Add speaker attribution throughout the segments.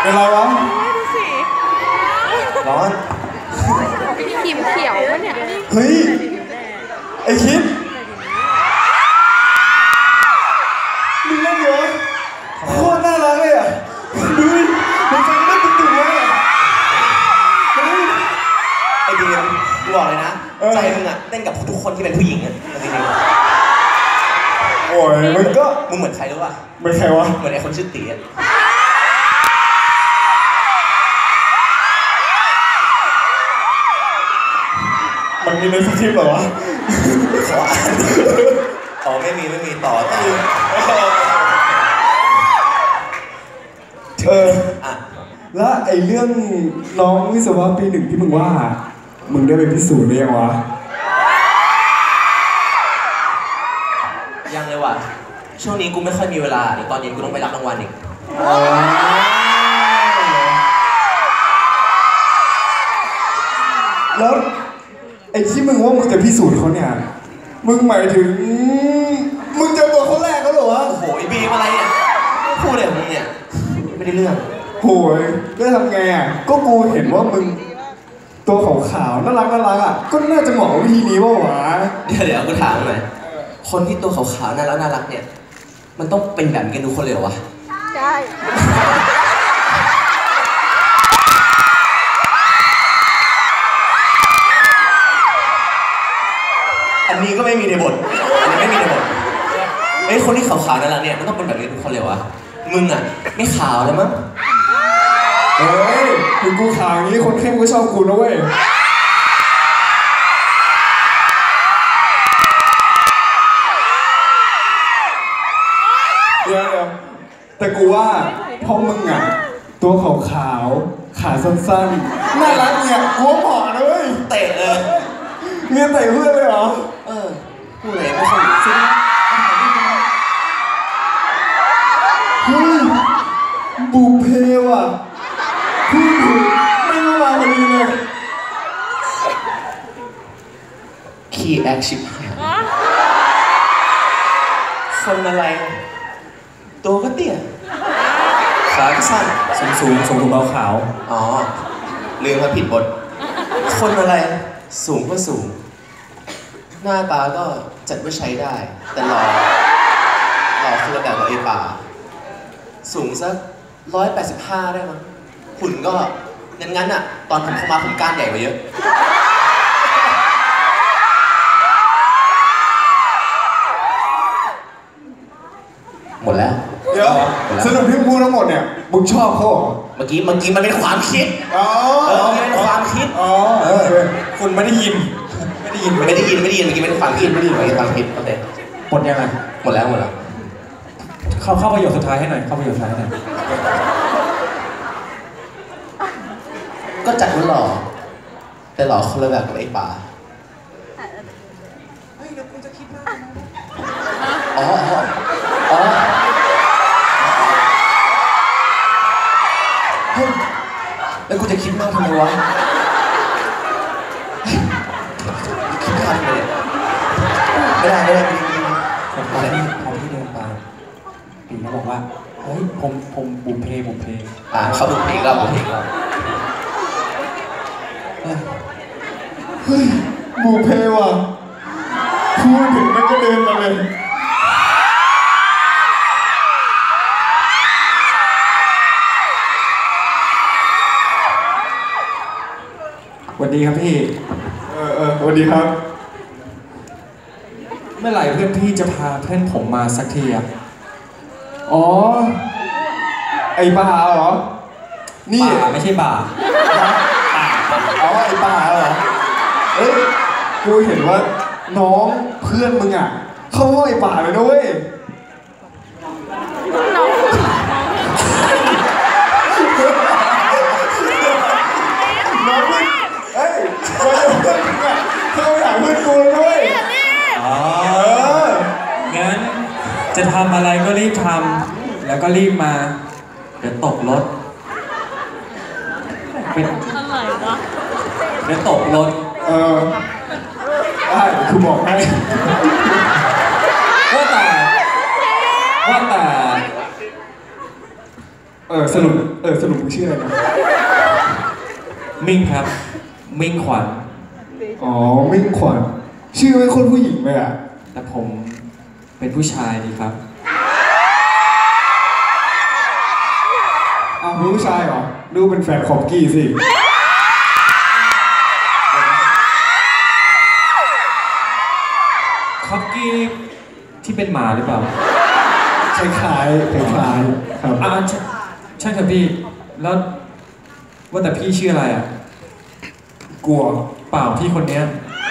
Speaker 1: เป็นไรวะ
Speaker 2: ดูสิ
Speaker 1: ร้อน
Speaker 2: ขีมเขียววะเนี่ย
Speaker 1: เฮ้ยไอคิดมึงเล่นเยอะโคตรน่ารักเลยอ่ะดูมึงฟังได้ตึงๆเลย
Speaker 3: ไอ้ดีมกูบอกเลยนะใจมึงอะเต้นกับทุกคนที่เป็นผู้หญิงอะจริง
Speaker 1: ๆโอ้ยมึงก็
Speaker 3: มึงเหมือนใครรู้ป่ะ
Speaker 1: เหมือนใครวะ
Speaker 3: เหมือนไอ้คนชื่อตีอะ
Speaker 1: มันมีในสคริปต์เหรอวะ
Speaker 3: ขออ่านอ๋อไม่มีต่อ
Speaker 1: อ่ะแล้วไอ้เรื่องน้องวิศวะปี 1ที่มึงว่ามึงได้ไปพิสูจน์หรือยังวะ
Speaker 3: ยังเลยว่ะช่วงนี้กูไม่ค่อยมีเวลาเดี๋ยวตอนเย็นกูต้องไปรับรางวัลอีก
Speaker 1: แล้วไอ้ที่มึงว่ามึงจะพิสูจน์เขาเนี่ยมึงหมายถึงมึงเจอตัวเขาแรกเขาเหรอวะ
Speaker 3: โอ้โหไอ้บีมอะไรเนี่ยพูดอะไรของมึงเนี่ยไม่ได้เรื่อง
Speaker 1: โหยได้ทำไงอ่ะก็กูเห็นว่ามึงตัวขาวๆน่ารักอ่ะก็น่าจะเหมาะกับวิธีนี้ป่าววะ
Speaker 3: เดี๋ยวกูถามหน่อยคนที่ตัวขาวๆน่ารักเนี่ยมันต้องเป็นแบบกันทุกคนเลยเหรอวะ
Speaker 2: ใช่
Speaker 3: อันนี้ก็ไม่มีในบทไอ้คนที่ขาวๆน่ารักเนี่ยมันต้องเป็นแบบนี้ทุกคนเลยวะมึงอ่ะไม่ขาวเลยมั้ง
Speaker 1: เฮ้ยถึงกูขาวอย่างนี้คนเข้มก็ชอบกูนะเว้ยเดี๋ยวแต่กูว่าพอมึงอ่ะตัวขาวขาสั้นๆน่ารักเนี่ยกูเหมาะนะเว้ย
Speaker 3: เตะเลย
Speaker 1: เมียเตะเพื่อนเลยเหรอ
Speaker 3: พูดอะไรไม่ค่อยซึ้ง
Speaker 1: เฮ้ยบุพเพว่ะพูดถึงไม่มาพอดีเลย
Speaker 3: คีย์แอคชิพคนอะไรตัวก็เตี้ยขาก็สั้น
Speaker 1: สูงเบาขาว
Speaker 3: อ๋อลืมมาผิดบทคนอะไรสูงก็สูงหน้าตาก็จัดว่าใช้ได้แต่หล่อคือระดับไอ้ป่าสูงสัก185ได้มั้งหุ่นก็งั้นอ่ะตอนผมเข้ามาผมก้านใหญ่กว่าเยอะหมดแล้ว
Speaker 1: เดี๋ยวสรุปที่พูดทั้งหมดเนี่ยมึงชอบเขาเหรอ
Speaker 3: เมื่อกี้มันเป็นความคิดมันเป็นความคิด
Speaker 1: คุณไม่ได้ยิน
Speaker 3: เมื่อกี้ไม่ได้ฟังคิดโอเค
Speaker 1: หมดยังไง
Speaker 3: หมดแล้ว
Speaker 1: เข้าประโยคสุดท้ายให้หน่อย
Speaker 3: ก็จัดว่าหล่อแต่หล่อคนละแบบกับไอ้ป่า
Speaker 2: เฮ้ยเดี๋ยวกูจะคิดว่า
Speaker 3: เฮ้ยแล้วกูจะคิดมากทำไมวะคิดมากเลยไม่ได้
Speaker 1: พอที่เดินไปปีน่าบอกว่าเฮ้ยผมบุพเพ
Speaker 3: เขาบุพเพก็
Speaker 1: เฮ้ยบุพเพว่ะพูดถึงมันก็เดินมาเลยสวัสดีครับพี่สวัสดีครับเมื่อไหร่เพื่อนพี่จะพาเพื่อนผมมาสักทีอ่ะอ๋อไอ้ป่าเหรอนี่ไม่ใช่ป่าอ๋อไอ้ป่าเหรอเอ้ยกูเห็นว่าน้องเพื่อนมึงอ่ะเข้าห้องไอ้ป่าเลยด้วยน้องเฮ้ยเพื่อนมึงอ่ะเข้าหาเพื่อนกูด้วยงั้นจะทำอะไรก็รีบทำแล้วก็รีบมาเดี๋ยวตกรถเป็นอะไรวะเดี๋ยวตกรถได้คือบอกให้ว่าแต่สรุปมึงชื่ออะไรนะ
Speaker 4: มิ่งครับ มิ่งขวัญ
Speaker 1: อ๋อมิ่งขวัญชื่อไม่คนผู้หญิงเลยอ่ะ
Speaker 4: แต่ผมเป็นผู้ชายดีครับ
Speaker 1: อ้าวเป็นผู้ชายเหรอดูเป็นแฟนคอมกี้สิ
Speaker 4: คอกกี้ที่เป็นหมาหรือเปล่า
Speaker 1: คล้ายครับ
Speaker 4: ใช่ครับพี่ แล้วว่าแต่พี่ชื่ออะไรอ่ะ
Speaker 1: กลัว
Speaker 4: เปล่าพี่คนเนี้ย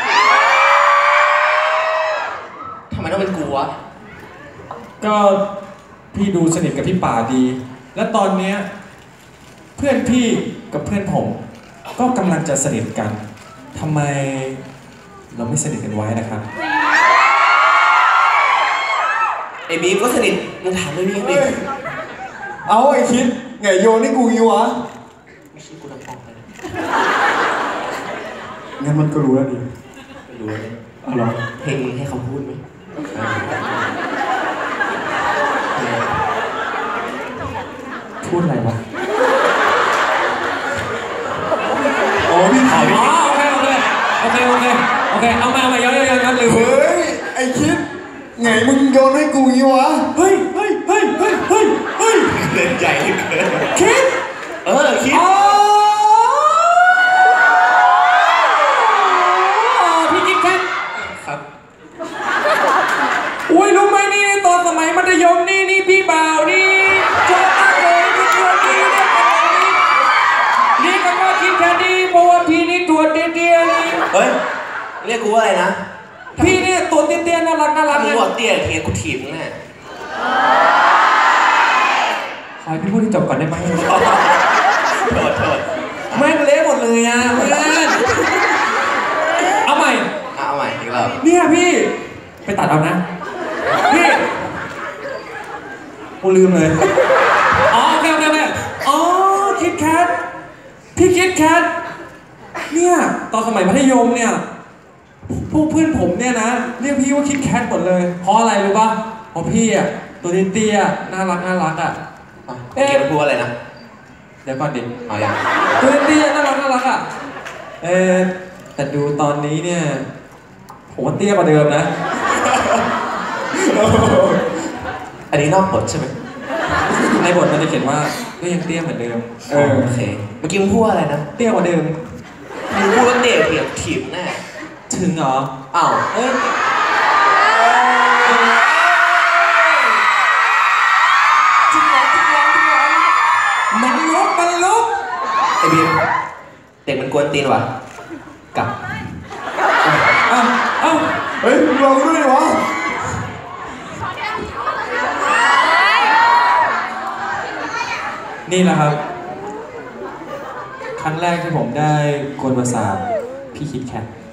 Speaker 3: ทำไมต้องเป็นกูวะ
Speaker 4: ก็พี่ดูสนิทกับพี่ป่าดี และตอนเนี้ยเพื่อนพี่กับเพื่อนผม ก็กำลังจะสนิทกันทำไมเราไม่สนิทกันไว้นะครับ
Speaker 3: ไอ้บีมก็สนิทมึงถามเลยบีมดิ
Speaker 1: เอาไอ้คิดไงโยนให้กูงี้วะ
Speaker 3: ไม่ใช่กูลำพองเลย
Speaker 1: งั้นมันก็รู้แล้วดิ
Speaker 3: ไม่รู้เลย
Speaker 1: เอาเหรอ
Speaker 3: เพลงมึงให้เขาพูดไหม
Speaker 4: พูดอะไรวะ
Speaker 1: อ๋อพี่ถ่าย
Speaker 4: อ๋อโอเคเอามาย้อนลืม
Speaker 1: เฮ้ยไอ้คิดไงมึงโยนให้กูงี้วะ
Speaker 4: เฮ้ย
Speaker 3: เล่นใหญ่เหลือเกิน
Speaker 4: คิด
Speaker 3: คิด
Speaker 4: อ๋อพี่คิดแค่
Speaker 3: ครับ
Speaker 4: อุ้ยรู้ไหมนี่ตอนสมัยมัธยมนี่พี่บ่าวนี่ชอบมากเลยพี่ตัวนี้เรียกกันว่าคิดแค่นี้เพราะว่าพี่นี่ตัวเตี้ยๆนี่
Speaker 3: เฮ้ยเรียกกูว่าอะไรนะ
Speaker 4: พี่เนี่ยตัวเตี้ยๆน่ารัก
Speaker 3: ถ้ามึง
Speaker 4: ไง
Speaker 3: บอกเตี้ยเทียกูถีบมึงแน่
Speaker 4: ขอให้พี่พูดให้จบก่อนได้ไหม
Speaker 3: โทษ
Speaker 4: แม่งเละหมดเลยอ่ะเพื่อนเอาใหม่
Speaker 3: เอาใหม่อีกรอบ
Speaker 4: เนี่ยพี่ไปตัดเอานะพี่กูลืมเลยอ๋อโอเคอ๋อคิดแคทพี่คิดแคทเนี่ยตอนสมัยมัธยมเนี่ยพวกเพื่อนผมเนี่ยนะเรียกพี่ว่าคิดแคทหมดเลยเพราะอะไรรู้ป่ะเพราะพี่อ่ะตัวเตี้ยๆน่ารักอ่ะ
Speaker 3: เกี่ยวกับกูอะไรนะ
Speaker 4: เดี๋ยวก่อนดิ
Speaker 3: เอาอย่าง
Speaker 4: ตัวเตี้ยน่ารักอ่ะแต่ดูตอนนี้เนี่ยผมว่าเตี้ยกว่าเดิมนะ
Speaker 3: อันนี้นอกบทใช่ไหม
Speaker 4: ในบทมันจะเขียนว่าก็ยังเตี้ยเหมือนเดิม
Speaker 3: โอเคเมื่อกี้มึงพูดว่าอะไรนะ
Speaker 4: เตี้ยกว่าเดิม
Speaker 3: มึงพูดว่าเตี้ยเทียบถีบแน่
Speaker 4: ถึงเหรอ
Speaker 3: อ้าว
Speaker 4: มันลุก
Speaker 3: ไอ้บีมเด็กมันกวนตีนว่ะกลับ
Speaker 4: เอ้า
Speaker 1: เฮ้ยมึงลองด้วยดิวะ
Speaker 4: นี่แหละครับ ครั้งแรกที่ผมได้กวนประสาทพี่คิดแคท